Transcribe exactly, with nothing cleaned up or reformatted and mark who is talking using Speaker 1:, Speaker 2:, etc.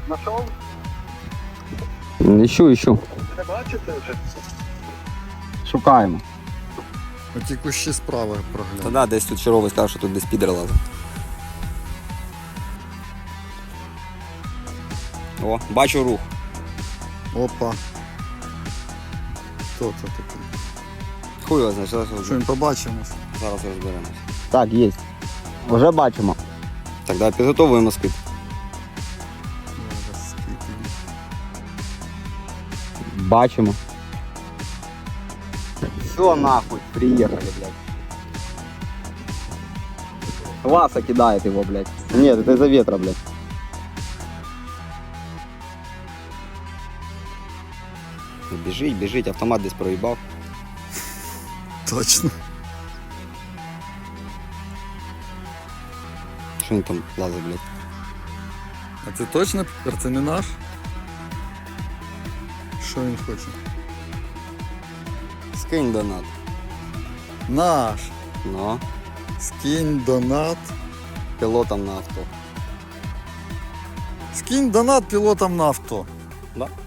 Speaker 1: Нашов?
Speaker 2: Іщу, іщу.
Speaker 1: Не бачите вже?
Speaker 2: Шукаємо.
Speaker 3: Оті кущі справи
Speaker 2: Та
Speaker 3: прогляну.
Speaker 2: да, десь тут черговий сказав, що тут десь підер лазить. О, бачу рух.
Speaker 3: Опа. Хто це такий?
Speaker 2: Хуй його знає, зараз,
Speaker 3: Що він побачимо?
Speaker 2: зараз розберемось. Так, є. Вже бачимо. Так, давай підготовуємо скид.
Speaker 3: Зараз скільки.
Speaker 2: Бачимо. Все нахуй, приехали, блядь. Васа кидает его, блядь. Нет, это из-за ветра, блядь. Бежить, бежить, автомат десь проїбав.
Speaker 3: Точно.
Speaker 2: Що він там лазить, блядь?
Speaker 3: А це точно Пітер? Це не наш? Що він хоче?
Speaker 2: Скинь донат.
Speaker 3: Наш.
Speaker 2: Ну,
Speaker 3: Скинь донат.
Speaker 2: пілотом на авто.
Speaker 3: Скинь донат пілотам на авто.
Speaker 2: Да?